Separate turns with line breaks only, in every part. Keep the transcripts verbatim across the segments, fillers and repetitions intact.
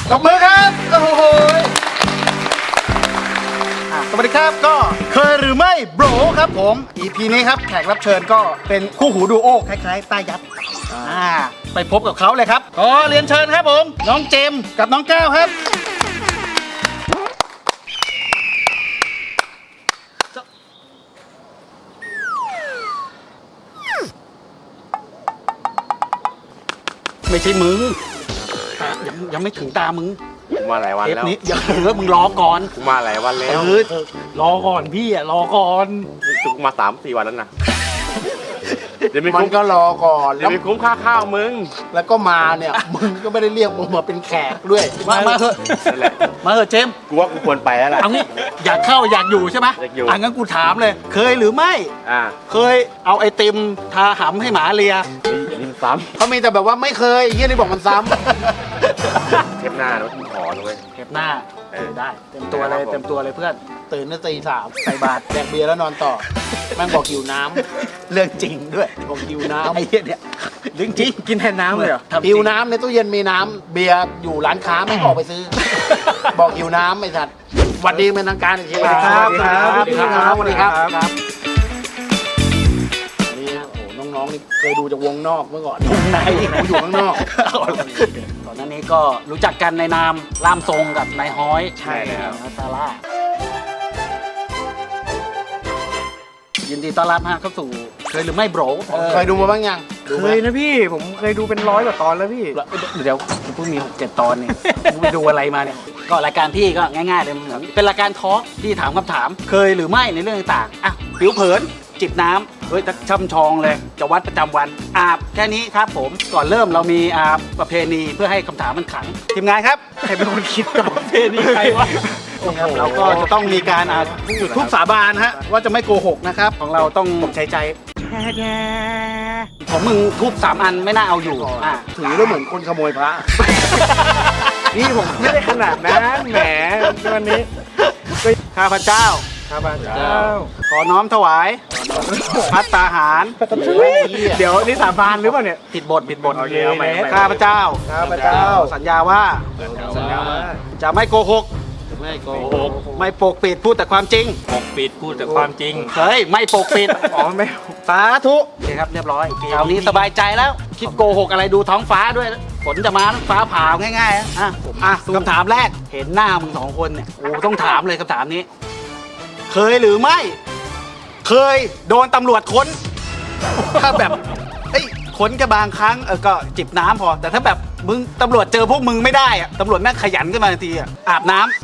ตบมือครับโอ้โหสวัสดีครับก็เคยหรือไม่โบรครับผม อี พี นี้ครับแขกรับเชิญก็เป็นคู่หูดูโอคล้ายๆต้ายัดอ่าไปพบกับเขาเลยครับขอเรียนเชิญครับผมน้องเจมส์กับน้องก้าวครับไม่ใช่มึงยังยังไม่ถึงตามึง
มาหลายวัน
เทป
แล้ว
นี้อย่าเออมึงรอก่อน
กูมาหลายวันแล้ว
เออรอก่อนพี่อ่ะรอก่อน
กูมาสามสี่วันแล้วนะเดี๋ยวไม่
มัน
คุ้ม
ก็รอก่อน
เดี๋
แล้
ยว วไม่คุ้มค่าข้าวมึง
แล้วก็มาเนี่ย มึงก็ไม่ได้เรียกมึงมาเป็นแขกด้วย
มามาเถอะ
นั่นแหละ
มาเถอะเจมส์
กูว่ากูควรไปแล้วล่ะ
เอางี้อยากเข้าอยากอยู่ใช่ไหม
อยากอยู่
อ่ะงั้นกูถามเลย เคยหรือไม่
อ่า
เคยเอาไอติมทาหำให้หมาเลีย
นี่นี่ซ้
เขามีแต่แบบว่าไม่เคยไอ้เฮียนี่บอกมันซ้
ำเทปหน้าแล้วกูขอเลย
เก็บหน้า
เออ
ได้เต็มตัวเลย
ครับผม
เต็มตัวเลยเพื่อน
ำตื่นตั้งตีสามใส่บาตรแดกเบียร์แล้วนอนต่อ แม่งบอกหิวน้
เรื่องจริงด้วย
ำบอกหิวน้
ไอ้เหี้ยเนี่ยเรื่องจริงกินแทนน้ำเลยเหรอ
ำหิวน้ำในตู้เย็นมีน้ำเบียร์อยู่ร้านค้าแม่งออกไปซื้อ บอกหิวน้ำไอ้สัตว์สวัสดีเป็นทางการอีกที
สวัสดีครับ
สวัสดีครับสวัสดีครับ
ครับ
ครับนี่นะโอ้โหน้องๆนี่เคยดูจากวงนอกเมื่อก่อน
วงใน
กูอยู่ข้างนอก
ก่อนหน้านี้ก็รู้จักกันในนามล่ามทรงกับนายฮ้อย
ใช่แล้ว
นะซาร่ายินดีต้อนรับฮะเข้าสู่เคยหรือไม่โบร
เคยดูมาบ้างยังดู
เค
ไหม
ยนะพี่ผมเคยดูเป็นร้อยกว่าตอนแล้วพี่
เดี๋ยวเพิ่งมีหกเจ็ดตอนเนี่ยกูไปดูอะไรมาเนี่ยก็รายการพี่ก็ง่ายๆเลยเหมือนเป็นรายการทอล์กที่ถามคำถาม เคยหรือไม่ในเรื่องต่างๆอ่ะผิวเผินจิบน้ำเฮ้ยช่ำชองเลยจะวัดประจำวันอาบแค่นี้ครับผมก่อนเริ่มเรามีอาบประเพณีเพื่อให้คำถามมันขังทีมงานครับใครเป็นคนคิดก่อนประเพณีใครวะนะครับเราก็จะต้องมีการอ่าจุดธูปสาบานฮะว่าจะไม่โกหกนะครับของเราต้องใช้ใจของมึงทูบสามอันไม่น่าเอาอยู่อ่ะ
ถือแล้วเหมือนคนขโมยพระ
นี่ผมไม่ได้ขนาดนั้นแหมวันนี้
ข้าพเจ้า
ข้าพเจ้า
ขอน้อมถวายพัตตาหาร
เดี๋ยวนี่สาบานหรือเปล่าเนี่ย
ผิดบทผิดบท
โอเคเอาใหม่เอาใหม่
ข้าพเจ้า
ข้าพเจ้า
สัญญาว่า
สัญญาว่า
จะไม่โกหก
ไม่โก
โอ้
ห
โห
ก
ไม่ปกปิดพูดแต่ความจริง
ปกปิดพูดแต่ความจริง
เฮ้ยไม่ปกปิด
อ๋อไม่
สาธุโอเคครับเรียบร้อยคราวนี้สบายใจแล้ว คิดโกหกอะไรดูท้องฟ้าด้วยฝนจะมาฟ้าผ่าง่ายๆนะอ่ะอ่ะคำถามแรกเห็นหน้ามึงสองคนเนี่ยโอ้ต้องถามเลยคำถามนี้ เคยหรือไม่ เคยโดนตำรวจค้น ถ้าแบบเอ้ยค้นก็บางครั้งเออก็จิบน้ำพอ แต่ถ้าแบบมึงตำรวจเจอพวกมึงไม่ได้อะตำรวจแม่งขยันขึ้นมาทันทีอะอาบน้ำ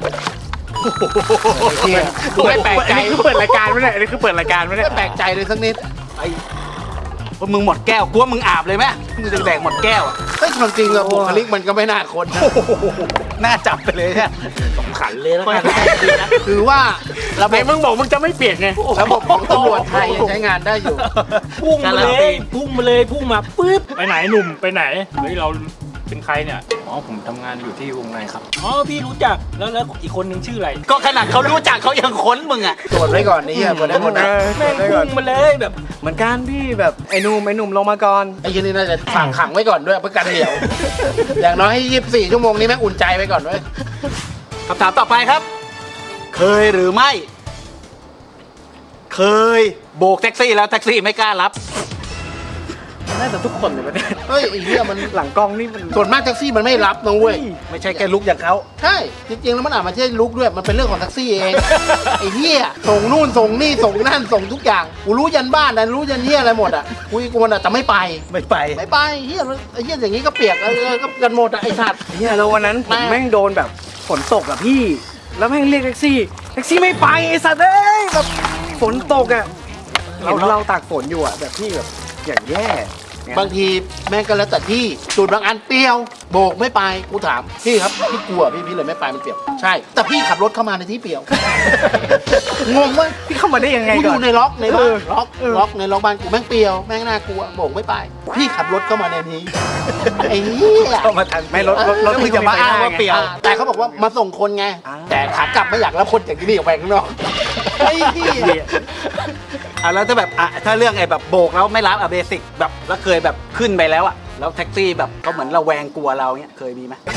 กูไม่แปลกใจ
อันนี้คือเปิดรายการไหมเนี่ยอันนี้คือเปิดรายการไหมเนี่ย
ไม่แปลกใจเลยสักนิด
ไอ้ว่ามึงหมดแก้วกูว่ามึงอาบเลยไหมมึงจะแดกหมดแก้วอะ
เฮ้ยความจริงอะบุคลิกมันก็ไม่น่าคนนะ
น่าจับไปเลยเนี่ย
ขันเลยแล้วกันคือว่าระบ
ไหน
บ
มึงบอกมึงจะไม่เปลี่ยนไง
ระบบของตำรวจไทยยังใช้งานได้อยู่
พุ่งมาเลยพุ่งมาเลยพุ่งมาปึ๊บไปไหนหนุ่มไปไหนเฮ้ยเราเป็นใครเนี่ยอ๋อผมทำงานอยู่ที่วงในครับอ๋อพี่รู้จักแล้วแล้วอีกคนนึงชื่ออะไร
ก็ขนาดเขารู้จักเขายังค้นมึงอ่ะ
ตรวจไว้ก่อนนี่อะตรวจได้หมดนะ
แม่งพุ่งมาเลยแบบ
เหมือนกันพี่แบบไอ้หนุ่มไอ้หนุ่มลงมาก่อน
ไอ้ยี่นี่น่าจะฝากขังไว้ก่อนด้วยเพื่อกันเหนียว อย่างน้อยให้ยี่สิบสี่ชั่วโมงนี้แม่งอุ่นใจไว้ก่อนด้วย
คำถามต่อไปครับ เคยหรือไม่ เคยโบกแท็กซี่แล้วแท็กซี่ไม่กล้ารับ
น่าจะทุกคนเลยประเทศ
เฮ้ยไอ้เหี้ยมัน
หลังกล้องนี่มัน
ส่วนมากแท็กซี่มันไม่รับนะเว้ย
ไม่ใช่แค่ลุกอย่างเขา
ใช่ จริงๆ แล้วมันอาจมาใช่ลุกด้วย มันเป็นเรื่องของแท็กซี่เอง ไอ้เหี้ยส่งนู่นส่งนี่ส่งนั่นส่งทุกอย่าง กูรู้ยันบ้านนะรู้ยันเหี้ยอะไรหมดอ่ะกูกูมันอะแต่ไม่ไป
ไม่ไป
ไม่ไปเหี้ยไอ้เหี้ยอย่างนี้ก็เปียกเออก็กันหมดอะไอ้สัตว์
เนี่ยแล้ววันนั้นผม
แม่
แม่งโดนแบบฝนตกอะพี่ แล้วแม่งเรียกแท็กซี่แท็กซี่ไม่ไปไอ้สัตว์เอ้ยแบบฝนตกอะเห็นเราตากฝนอยู่อะแบบพี่แบบอย่างแย่
บางทีแม่งก็แล้วแต่ที่จุดบางอันเปรี้ยว โบกไม่ไป กูถามพี่ครับพี่กลัวพี่พี่เลยไม่ไปมันเปรี้ยว ใช่ แต่พี่ขับรถเข้ามาในที่เปรี้ยว งงเว้ย
พี่เข้ามาได้ยังไง
กูอ
ก่อน
ยู่ในล็อกในบ้า
เอน อ
ล็อก
เออ
ล็อกในล็อกบ้านกูแม่งเปรียวแม่งน่ากลัวโบกไม่ไป พี่ขับรถเข้ามาในนี้ ไอ้เหี้ย
เข้ามาทัน
ไม่รถรถรถ
แล้วมึงจะมาอ้างว่าเปลี่ยว
อ่าแต่เขาบอกว่ามาส่งคนไง
อ่า
แต่ขากลับไม่อยากรับคนอย่างนี้ออกไปข้างนอกไอ้เหี้ย
อ่ะแล้วถ้าแบบอ่ะถ้าเรื่องไอ้แบบโบกแล้วไม่รับอ่ะเบสิกแบบแล้วเคยแบบขึ้นไปแล้วอ่ะแล้วแท็กซี่แบบเขาเหมือนระแวงกลัวเราเนี้ยเคยมีไหม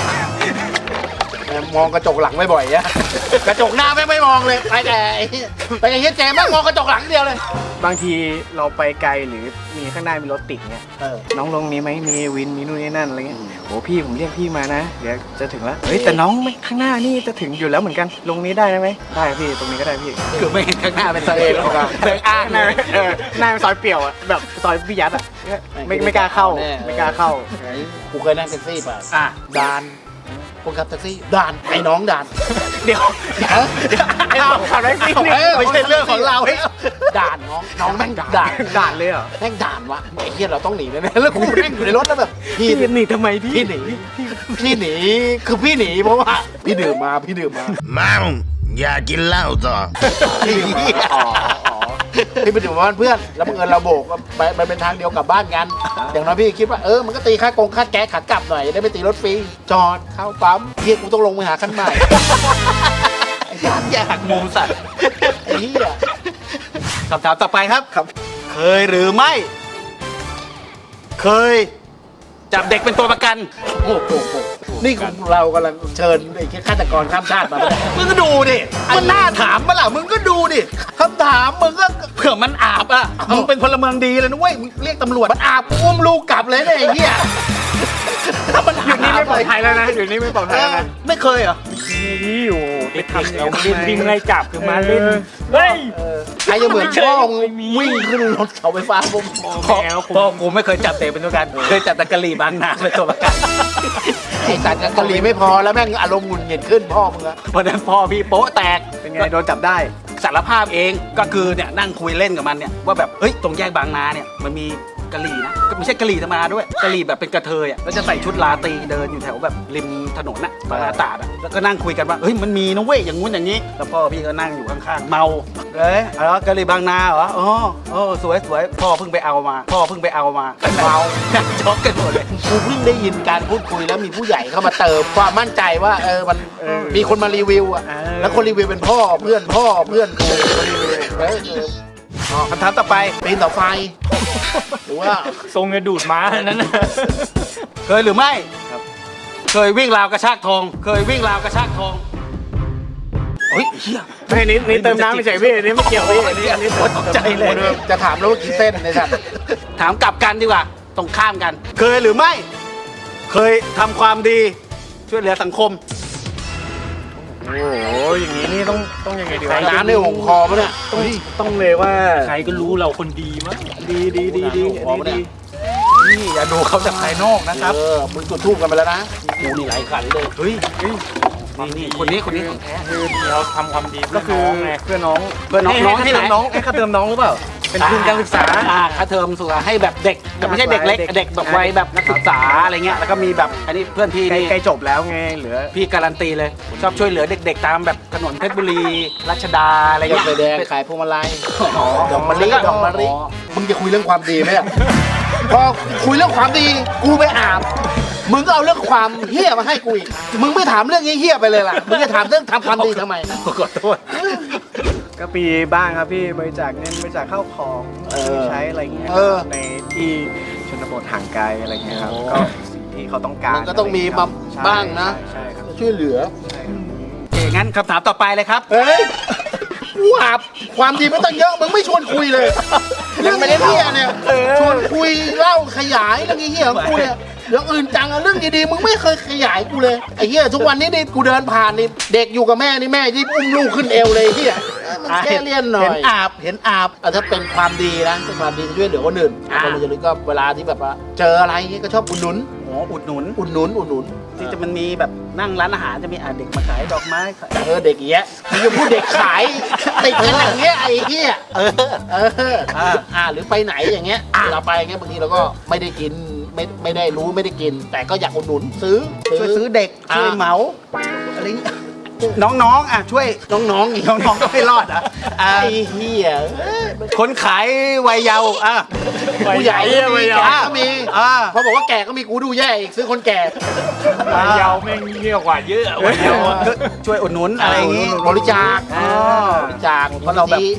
มองกระจกหลังไม่บ่อยอะกระจกหน้าไม่ไม่มองเลยไปแต่ไอ้ไปไอ้เฮียเจมส์แม่งมองกระจกหลังเดียวเลย
บางทีเราไปไกลหรือมีข้างหน้ามีรถติดเนี่ย
เออ
น้องลงนี้ไหมมีวินมีนู่นนี่นั่นอะไรเงี้ยโอ้พี่ผมเรียกพี่มานะเดี๋ยวจะถึงแล้วเฮ้ยแต่น้องไม่ข้างหน้านี่จะถึงอยู่แล้วเหมือนกันลงนี้ได้ไหมได้พี่ตรงนี้ก็ได้พี่
คือไม่เห็นข้างหน้าเป็นทะเลหรอก
เดินอ้างหน้าเออหน้าเป็นซอยเปี่ยวอะแบบซอยพิยัดอะไม่ไม่กล้าเข้าไม่กล้าเข้า
กูเคยนั่งแท็กซี่ป่ะ
อ่ะ
ด่านคนขับแท็กซี่ด่านไอ้น้องด่าน
เดี๋ยวเดี๋ยวเดี๋ยวไอ้เราขับแท็กซี่นี่
เออ
ไม่ใช่เรื่องของเรา
ด่านน้องน้องแม่งด่าน
ด่านด่านเลยเหรอ
แม่งด่านวะไอ้เหี้ยเราต้องหนีแน่ๆแล้วกูนั่งอยู่ในรถแล้วแบบพี่
พี่หนีทำไมพี่
พี่หนีพี่หนีคือพี่หนีเพราะว่าพี่ดื่มมาพี่ดื่มมา
มังอย่ากินเหล้าต่อ
ไอ้เหี้ยพี่ไปดื่มมาบ้านเพื่อนแล้วบังเอิญเราโบกไปไปเป็นทางเดียวกลับบ้านกันอย่างน้อยพี่คิดว่าเออมันก็ตีค่ากงค่าแก๊สขากลับหน่อยจะได้ไม่ตีรถฟรีจอดเข้าปั๊มเฮียกูต้องลงไปหาขั้นใหม่ไอ้สัตว์
อยากมุมสัตว์
ไอ้เหี้ย
คำถามต่อไปครับครับ เคยหรือไม่ เคย จับเด็กเป็นตัวประกัน
โอ้โหนี่ของเรากำลังเชิญไอ้ฆาตกรข้ามชาติมาไม่ได้
มึงก็ดูดิมันน่าถามปะล่ะมึงก็ดูดิคำถามมึงก็เผื่อมันอาบอ่ะมึงเป็นพลเมืองดีเลยนะเว้ยมึงเรียกตำรวจ
มันอาบอุ้มลูกกลับเลยเนี่ยไอ้เหี้ยถ้ามัน
อยู่นี่ไม่ปลอดภัยแล้วนะอยู่นี่ไม่ปลอดภัยแล้วนะ
ไม่เคยเหรอ
นี่อยู่ไป
ไป
ทำ
ทำ
อย่าง
เรา
นั้น
วิ่งวิ่งไล่จับคือมาเล่น
เฮ้ย
ใครจะเหมือนพ่อมึง
ไม่มี
วิ่งขึ้นรถเสาไฟฟ้าผม
พ่อพ่อกูไม่เคยจับเตะเป็นตัวประกันเคยจับตะกะลีบางนาเป็นตัวประกัน
ไอ้สัตว์กะหรี่ไม่พอแล้วแม่งอารมณ์หงุดหงิดขึ้นพ่อมึงอะ
เพราะนั้นพ่อพี่โป๊ะแตก
เป็นไงโดนจับได้
สารภาพเองก็คือเนี่ยนั่งคุยเล่นกับมันเนี่ยว่าแบบเฮ้ยตรงแยกบางนาเนี่ยมันมีกะหรี่นะก็ไม่ใช่กะหรี่ธรรมดาด้วยกะหรี่แบบเป็นกระเทยอ่ะแล้วจะใส่ชุดลาตรีเดินอยู่แถวแบบริมถนนน่ะบางนาตราดอ่ะแล้วก็นั่งคุยกันว่าเฮ้ยมันมีนะเว้ยอย่างงู้นอย่างนี้แล้วพ่อพี่ก็นั่งอยู่ข้างๆเมาเอ้ยอ๋อกะหรี่บางนาเหรออ๋อโอ้สวยสวยพ่อเพิ่งไปเอามาพ่อเพิ่งไปเอามาเมานั่งช็อกกันหมดเลย
กูเพิ่งได้ยินการพูดคุยแล้วมีผู้ใหญ่เข้ามาเติมความมั่นใจว่าเออมันมีคนมารีวิวอะแล้วคนรีวิวเป็นพ่อเพื่อนพ่อเพื่อนกูมารีวิวเออเออ
อ๋อคำถามต่อไป
ปีนเสาไฟหรือว่า
ทรงจะดูดม้านั้นน่ะ
เคยหรือไม่เคยวิ่งราวกระชากทอง เคยวิ่งราวกระชากทองเฮ้ยเฮีย
ไม่นี่นี่เติมน้ำไม่ใช่พี่นี่ไม่เกี่ยวพี่อันนี้อันนี้
โอ๊ยตกใจเลย
จะถามแล้วว่ากี่เส้นในสัตว์
ถามกลับกันดีกว่า ตรงข้ามกัน เคยหรือไม่ เคยทำความดีช่วยเหลือสังคม
โอ้โหอย่างนี้นี่ต้องต้องยังไงดีวะ
น้ำในหงคอปะเนี่ย
ต้องต้องเลยว่า
ใครก็รู้เราคนดีมั้ง
ดีดีดีดีอันนี้ดี
นี่อย่าดูเขาจากภายนอกนะครับ
เออมึงจุดทูบกันไปแล้วนะกูนี่หลายขันเลย
เฮ้ยเฮ้ยนี่นี่คนนี้คนนี้ของแท้
คือเราทำความดี
ก็
เพื่อ
คือ
น้องไง
เพื่อนน้อง
เพื่อนน้องน้องที่ไหน
น้องให้ค่าเติมน้องหรือเปล่าเป็นทุนการศึกษา
อ่าค่าเทอมสุขให้แบบเด็กแต่ไม่ใช่เด็กเล็ก
เด็ก
เด็กแบบวัยแบบนักศึกษาอะไรเงี้ยแล้วก็มีแบบอันนี้เพื่อนพี่
ใกล้
นี่
ใกล้จบแล้วไงเหลือ
พี่การันตีเลย ชอบช่วยเหลือเด็ก ๆ ตามแบบถนนเพชรบุรีรัชดาอะไร
ยก
เงี้ย
ไฟแดงขายพวงมาลัย
อ๋อ
ดอกมะลิดอกมะลิมึงจะคุยเรื่องความดีไหมอะพอคุยเรื่องความดีกูไปอาบมึงก็เอาเรื่องความเฮี้ยมาให้กูอีกมึงไม่ถามเรื่องเฮี้ยๆไปเลยล่ะมึงจะถามเรื่องทำความดีทำไม
ขอโทษ
ก็ปีบ้างครับพี่บริจาคเงินบริจาคข้าวของ
เออ
ที่ใช้อะไรเงี้ย
เออ
ในที่ชนบทห่างไกลอะไรเงี้ยครับ
โอ้
ก็สิ่งที่เขาต้องการ
มันก็ต้องมี
ะไรเงี้ย
บำ
ใช่
บ้างนะ
ใช่ครับ
ช่วยเหลือ
ใช่ครับ
โอเคงั้นคำถามต่อไปเลยครับ
เฮ้ยกูอาบความดีไม่ต้องเยอะมึงไม่ชวนคุยเลยเรื่องเฮี้ยๆเนี่ยชวนคุยเล่าขยายเรื่องเฮี้ยๆของกูเนี่ยเรื่องอื่นจังอะเรื่องดีๆมึงไม่เคยขยายกูเลยไอ้เหี้ยทุกวันนี้นี่กูเดินผ่านนี่เด็กอยู่กับแม่นี่แม่ที่อุ้มลูกขึ้นเอวเลยไอ้เหี้ยมันแค่เลี่ยนหน่อย
เห็นอาบเห็นอาบ
อ่ะถ้าเป็นความดีนะเป็นความดีช่วยเหลือคนอื่น
อ่า
คนอื่นจะรู้ก็เวลาที่แบบว่าเจออะไรอย่างเงี้ยก็ชอบอุดหนุน
โอ้อุดหนุน
อุดหนุนอุดหนุน
ที่จะมันมีแบบนั่งร้านอาหารจะมีอ่าเด็กมาขายดอกไม้ขาย
เออเด็กอย่างเงี้ยมึงจะพูดเด็กขายติดกันอย่างเงี้ยไอ้เหี้ย
เออ
เอออ่าอ่าหรือไปไหนอย่างเงี้ยเราไปอย่างเงี้ยบางทีเราก็ไม่ได้กินไม่ไม่ได้รู้ไม่ได้กิน แต่ก็อยากอุดหนุนซื้อ
ช่วยซื้อเด็ก
อ่า
ช่วยเหมาอะไรเงี้ยน้องๆอ่ะช่วย
น้องๆอีก
น้องๆก็ไม่รอดอ่ะอ่า
ไอ้เหี้ยเอ้ย
คนขายวัยเยาว์อ่ะ
ผู้ใหญ่ก็มีแก่ก็มี
อ่า
พอบอกว่าแก่ก็มีกูดูแย่อีกซื้อคนแก่
วัยเยาว์แม่งเยอะกว่าเยอะวัยเยาว์อะ
ช่วยอุดหนุนอะไรอย่างงี้
บริจาค
อ๋อ
บริจาค
เพราะเราแบบ
ที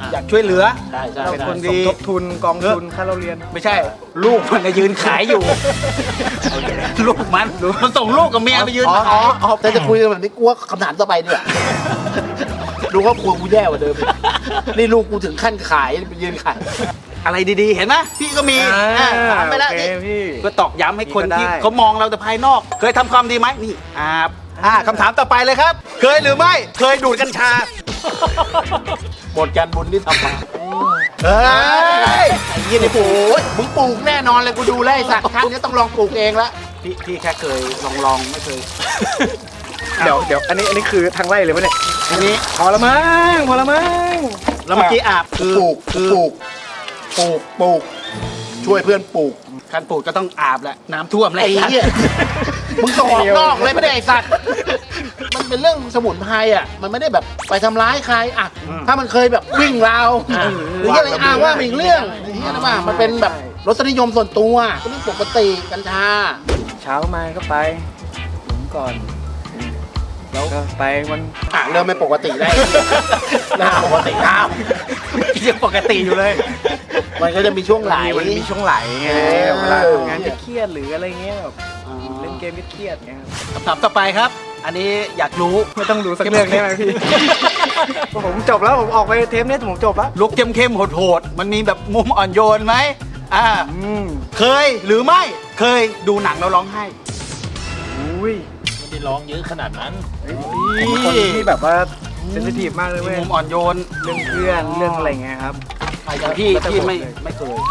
อยากช่วยเหลือ
ใช่ใช่
เป็นคน
ส
ดี
มทบทุนกองทุนค่าเราเรียน
ไม่ใช่ ลูกมันน่ะยืนขายอยู่ ลูกมันมันส่งลูกกับเมียไปยืน
อ๋อ
ขาย
อ๋อแต่จะคุยกันแบบนี้กูว่าคำถามต่อไปเนี่ยดูว่าครัวกูแย่กว่าเดิมอีกนี่ลูกกูถึงขั้นขายไปยืนขาย
อะไรดีๆ เห็นไหมพี่ก็มี
อ่า
อ่าถามไปแล้ว
โอเค
นี่
พี่
ก็ตอกย้ำให้คน
นี่ก็
ที่
ได้
เขามองเราแต่ภายนอก เคยทำความดีไหมนี่อ่าอ่าคำถามต่อไปเลยครับ เคยหรือไม่ เคยดูดกัญชา
หมดการบุญที่ทำมา
เฮ้ย
ไอ้ยี่นี่โอ้ยมึงปลูกแน่นอนเลยกูดูแลวไอ้สัตว์ครั้งนี้ต้องลองปลูกเองละ
พี่พี่แค่เคยลองลองไม่เคย
เดี๋ยวเดี๋ยวอันนี้อันนี้คือทางไล่เลยปะเนี่ย
อันนี้
พอละมั้งพอละมั้ง
แล้วเมื่อกี้อาบคือ
ปลูก
คือ
ปลูกปลูกปลูกช่วยเพื่อนปลูก
การปลูกก็ต้องอาบแหละน้ำท่วมเลย
ไอ้เหี้ยมึงส่งออกนอกเลยไม่ได้ไอ้สัตว์มันเป็นเรื่องสมุนไพรอ่ะมันไม่ได้แบบไปทำร้ายใครอ่ะถ้ามันเคยแบบวิ่งราวหรืออะไรอ่ะว่าเป็นอีกเรื่องไอ้เหี้ยนะว่ามันเป็นแบบรสนิยมส่วนตัวก็เรื่องปกติกัญชา
เช้ามาก็ไปหลุมก่อนแล้วก็ไปวัน
อ่ะเริ่มไม่ปกติได้เริ่มปกติอ้าว
ยังปกติอยู่เลย
มันก็จะมีช่วงไหล
มันมีช่วงไหลไง
เออ
แบบเวลาทำงานเครียดๆหรืออะไรเงี้ยแบบเล่นเกมเครียดๆเงี้ยครับ
คำถามต่อไปครับ อันนี้อยากรู้
ไม่ต้องดูสักเรื่องได้ไหมพี่ ผมจบแล้วผมออกไปเทปนี้ผมจบแล้ว
ลุกเข้มๆโหดๆมันมีแบบมุมอ่อนโยนไหมอ่า
อืม
เคยหรือไม่ เคยดูหนังแล้วร้องไห้
อุ้ย
ไม่ได้ร้องเยอะขนาดนั้น
ผมเป็นคนที่แบบว่าเซนซิทีฟมากเลย
มี
เว้ย
มุมอ่อนโยน
เรื่องเพื่อนเรื่องอะไรเงี้ยครับ
อย่างพี่พี่ไม่ไม่เคย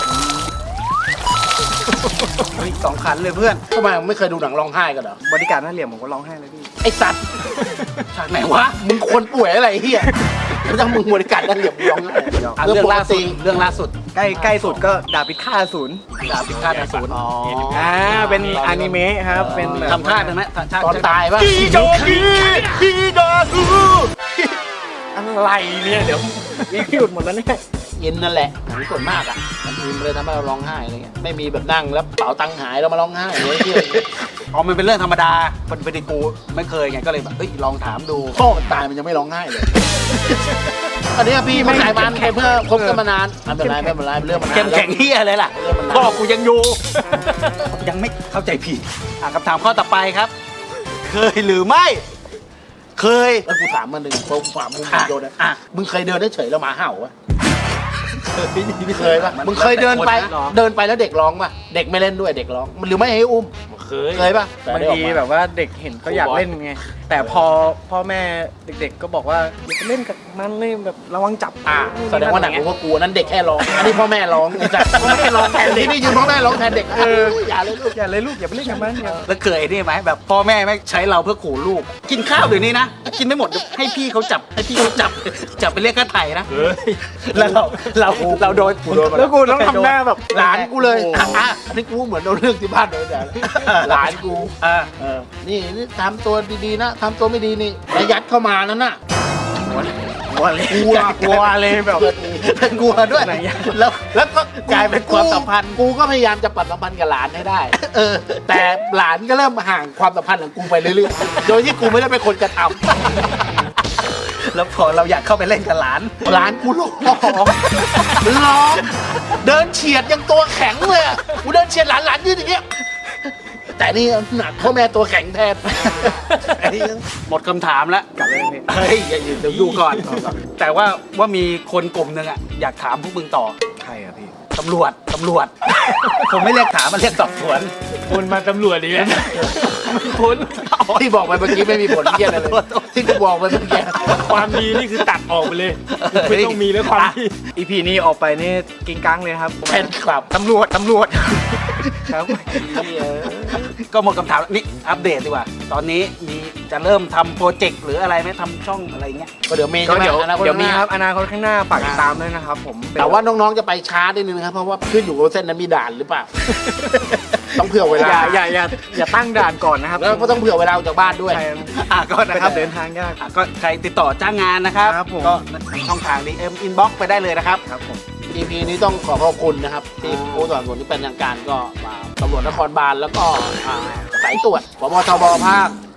เฮ้ยสองขันเลยเพื่อน
ทำไมมึงไม่เคยดูหนังร้องไห้กันเหรอบ
ริการหน้าเหลี่ยมผมก็ร้องไห้เลยพี่
ไอ้สัตว์
ฉากไหนวะ
มึงคนป่วยอะไรเฮียไม่ต้องมึงบริการนั่นเหลี่ยมร้องไห้
อ่ะ
เรื่
เรื่
อ
อง ง
ปก
ล่าสุ
ติ
ดเรื่องล่าสุด
ใกล้ใกล้สุดก็ดาบพิฆาตอสูร
ดาบพิฆาตอสูรอ๋อ
อ่าเป็นอนิเมะครับเป็นแบบ
ทำท่าได้ไหมท่า
ตอนตายปะ
พี่โจกี้พี่โจกู
อะไรเนี่ยเดี๋ยวมีหยุดหมดแล้วเนี่ย
เย็นนั่นแหละหนังส่วนมากอ่ะมันทีมเลยทำให้เราร้องไห้อะไรเงี้ยไม่มีแบบนั่งแล้วเป๋าตังค์หายเรามาร้องไห้เลยเฮีย
อ๋อมันเป็นเรื่องธรรมดาเป็นเป็นกูไม่เคยไงก็เลยแบบเฮ้ยลองถามดู
พ่อมันตายมันยังไม่ร้องไห้เลยอันนี้พี่มันขายมันไปเพื่อคบกันมานานไม่เป็นไรไม่เป็นไรเรื่องมันนาน
เข้มแข็งเฮียอะไรล่ะ
เรื่องมันนาน
พ่อกูยังอยู่ ยังไม่เข้าใจผิดอ่ะคำถามข้อต่อไปครับ เคยหรือไม่ เคย
แล้วกูถามมันหนึ่งเพราะความมึงโยนนะ
อ่ะ
มึงเคยเดินได้เฉยแล้วหมาเห่าวะเคยปะมึงเคยเดินไปเดินไปแล้วเด็กร้องปะเด็กไม่เล่นด้วยเด็กร้องหรือไม่ให้อุ้ม
เคย
เคยปะ
บางทีแบบว่าเด็กเห็นเขาอยากเล่นไงแต่พอพ่อแม่เด็กๆก็บอกว่าอย่าไปเล่นกับมันเลยแบบระวังจับ
อ่าแสดงว่าหนักกว่ากูนั้นเด็กแค่ร้องอันนี้พ่อแม่ร้องไอ้สัสพ่อแม่ร้องแทนเด็กนี่ยืนพ่อแม่ร้องแทนเด็กเอออย่าเลยลูก
อย่าเลยลูกอย่าไปเล่นกับมันอย่า
แล้วเคยนี่ไหมแบบพ่อแม่ไม่ใช้เราเพื่อขู่ลูก กินข้าวเดี๋ยวนี้นะ กินไม่หมดให้พี่เขาจับให้พี่เขาจับ จับไปเรียกค่าไถ่นะ
เฮ้ย
แล้วเราเราเราโดน
แล้วกูต้องทำหน้าแบบ
หลานกูเลยอ่ะอ่ะอันนี้กูเหมือนโดนเรื่องที่บ้านโดนแต่หลานกู
อ่า
เออนี่นี่ทำตัวดีๆนะทำตัวไม่ดีนี่แล้วยัดเข้ามานั่นน่ะ
กลัวเลย
กลัว
กลัวเลยแบบกลัวด้วยแล้วแล้วก็กลายเป็นความสัมพันธ์
กูก็พยายามจะปรับสัมพันธ์กับหลานให้ได้ เออ แต่หลานก็เริ่มห่างความสัมพันธ์ของกูไปเรื่อยๆโดยที่กูไม่ได้เป็นคนกระทำ
แล้วพอเราอยากเข้าไปเล่นกับหลาน
หลานกูร้องร้องเดินเฉียดยังตัวแข็งเลยอะกูเดินเฉียดหลานหลานยืนอย่างเงี้ยแต่นี่หนักพ่อแม่ตัวแข็งแทนไอ้นี่
หมดคำถามแล้ว
กลับเลยพี่
เฮ้ยอย่าเดี๋ยวดูก่อน แต่ว่าว่ามีคนกลุ่มหนึ่งอ่ะอยากถามพวกมึงต่อ
ใครอะพี่
ตำรวจตำรวจ ผมไม่เรียกถามมันเรียกสอบสวน
คนมาตำรวจดีไหมคุณ
ที่บอกไปเมื่อกี้ไม่มีผลเยี่ยอะไรเลยที่กูบอกไปเมื่อกี้
ความดีนี่คือตัดออกไปเลย ไม่ต้องมีแล้วความดี
อีพีนี้ออกไปนี่กิงกังเลยครับ
แฟนคลับ
ตำรวจตำรวจครับ
ก็หมดคำถามนี่อัปเดตดีกว่า ตอนนี้มีจะเริ่มทำโปรเจกต์หรืออะไรไหมทำช่องอะไรเงี้ย
ก็เดี๋ยวมี
ก็
ใช่ไหม
เดี๋ยว
อนาคต
เดี๋ยวมี
ข้างหน้า
ครับอนาคตข้างหน้าฝากติดตามด้วยนะครับผม
แต่ว่าน้องๆจะไปช้านิดนึงนะครับเพราะว่าขึ้นอยู่กับเส้นนั้นมีด่านหรือเปล่า ต้องเผื่อเว
อ
ลา
ย่าอย่าอย่าอย่าตั้งด่านก่อนนะครับ
แล้วก็ต้องเผื่อเวลาออกจากบ้านด้วย
ใช่
อ่ะก็
นะ
นะ
ค
ค
รั
รั
บบ เดินทางยาก
อ่ะก็ใครติดต่อจ้างงานนะครับ
ครับผม
ก็ช่องทาง ดี เอ็ม Inbox ไปได้เลยนะครับ
ครับผม
อี พี นี้ต้องขอขอบคุณนะครับที่ผู้สนับสนุนที่เป็นทางการก็มาตำรวจนครบาลแล้วก็อ่าสายตรวจปปทบภาค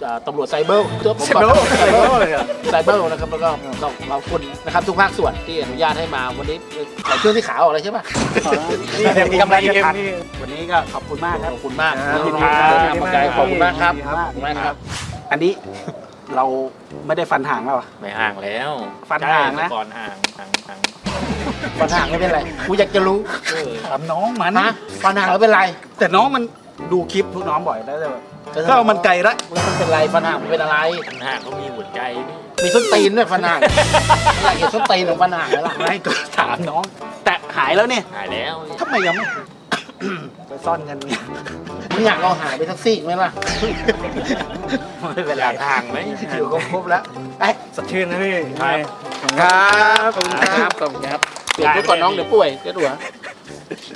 เอ่อตำรวจไซเบอร์เจอผม
ไซเบอร์
ไซเบอร์เลยไซเบอร์นะครับแล้วก็ต้องขอบคุณนะครับทุกภาคส่วนที่อนุญาตให้มาวันนี้ใส่เครื่องที่ขาออกอะไรใช่ปะ
นี่เดี๋ยวมีกำไรเอ็มนี่วันนี้ก็ขอบคุณมากครับ
ขอบคุณมาก
ครับ
ยินดีครับขอบคุณขอบคุณมากครับ
ขอบคุณมาก
ขอบคุณมากครับ
อันนี้เราไม่ได้ฟันห่างแล้วอ่ะ
ไม่ห่างแล้ว
ฟันห่างนะ
ใช่ก่อนห่างห่างห่าง
ปัญหาไม่เป็นไรกูอยากจะรู้
เออ
ถามน้องมัน
นะปัญหาไม่เป็นไร
แต่น้องมันดูคลิปพวกน้องบ่อยแล้วแต่แบบก็มันไกลละ
แล้วมันเป็นไรปัญหามันเป็นอะไร
ปัญหาเขามีหัวใจพี่
มีส้นตีนด้วยปัญหาอยากเห็นส้นตีนของปัญหาไหมล่ะ
ไม่ก็ถามน้อง แต่หายแล้วเนี่ย
หายแล้ว
ทำไมยังไม่ ไปซ่อนกันเนี่ย
มึงอยากเอาหายไปสักซี่ไหมล่ะ
ไม่เป็น
อ
ไร
ยากห่างไหม
อยู่ครบๆแล้วไป
สดชื่นนะพี่
ครับ
ครับ
ขอบคุณครับขอบคุณครับเปลี่ยนไปก่อนน้องเดี๋ยวป่วยเดี๋ยวหัว